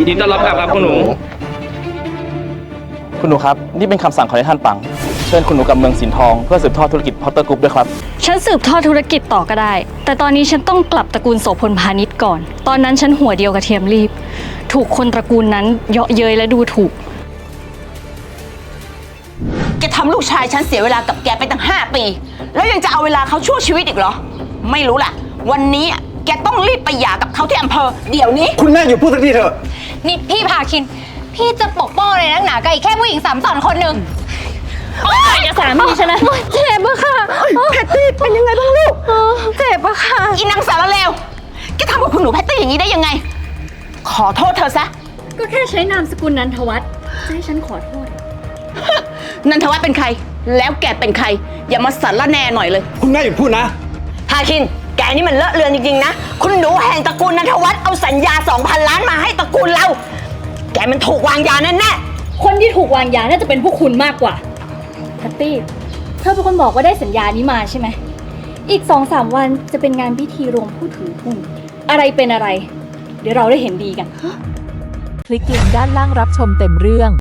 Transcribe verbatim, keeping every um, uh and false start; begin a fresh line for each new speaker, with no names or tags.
ยินดีต้อนรับกลับครับคุณหนู
คุณหนูครับนี่เป็นคำสั่งของท่านปังเชิญคุณหนูกับเมืองสินทองเพื่อสืบทอดธุรกิจพอตเตอร์กรุ๊ปด้วยครับ
ฉันสืบทอดธุรกิจต่อก็ได้แต่ตอนนี้ฉันต้องกลับตระกูลโสพลพาณิชย์ก่อนตอนนั้นฉันหัวเดียวกับเทียมรีบถูกคนตระกูลนั้นเยาะเย้ยและดูถูก
แกทำลูกชายฉันเสียเวลากับแกไปตั้งห้าปีแล้วยังจะเอาเวลาเขาชั่วชีวิตอีกเหรอไม่รู้ล่ะวันนี้แกต้องรีบไปหย่ากับเขาที่อำเภอเดี๋ยวนี้
คุณแม่อยู่พูดสักทีเถอะ
นี่พี่พาคินพี่จะปกป้องเลยนักหนากับอีกแค่ผู้หญิงสามสอนคนหนึ่ง
อย่าสามีฉันนะเจ็บอะค่ะ
แพตตี้เป็นยังไงบ้างลูกเจ็บอะค่ะอีนางสารเลวแกทำกับคุณหนูแพตตี้อย่างนี้ได้ยังไงขอโทษเธอซะ
ก็แค่ใช้นามสกุลนันทวัฒน์จะให้ฉันขอโทษ
นันทวัฒน์เป็นใครแล้วแกเป็นใครอย่ามาสารแน่หน่อยเลย
คุณแม่อยู่พูดนะ
พาคินแกนี่มันเลอะเลือนจริงๆนะคุณหนูแห่งตระกูลนันทวัฒน์เอาสัญญา สองพัน ล้านมาให้ตระกูลเราแกมันถูกวางยาแน่แน่
คนที่ถูกวางยาน่าจะเป็นพวกคุณมากกว่าแพตตี้เธอเป็นคนบอกว่าได้สัญญานี้มาใช่ไหมอีก สองสาม วันจะเป็นงานพิธีรวมผู้ถือหุ้นอะไรเป็นอะไรเดี๋ยวเราได้เห็นดีกัน
คลิกลิงก์ด้านล่างรับชมเต็มเรื่อง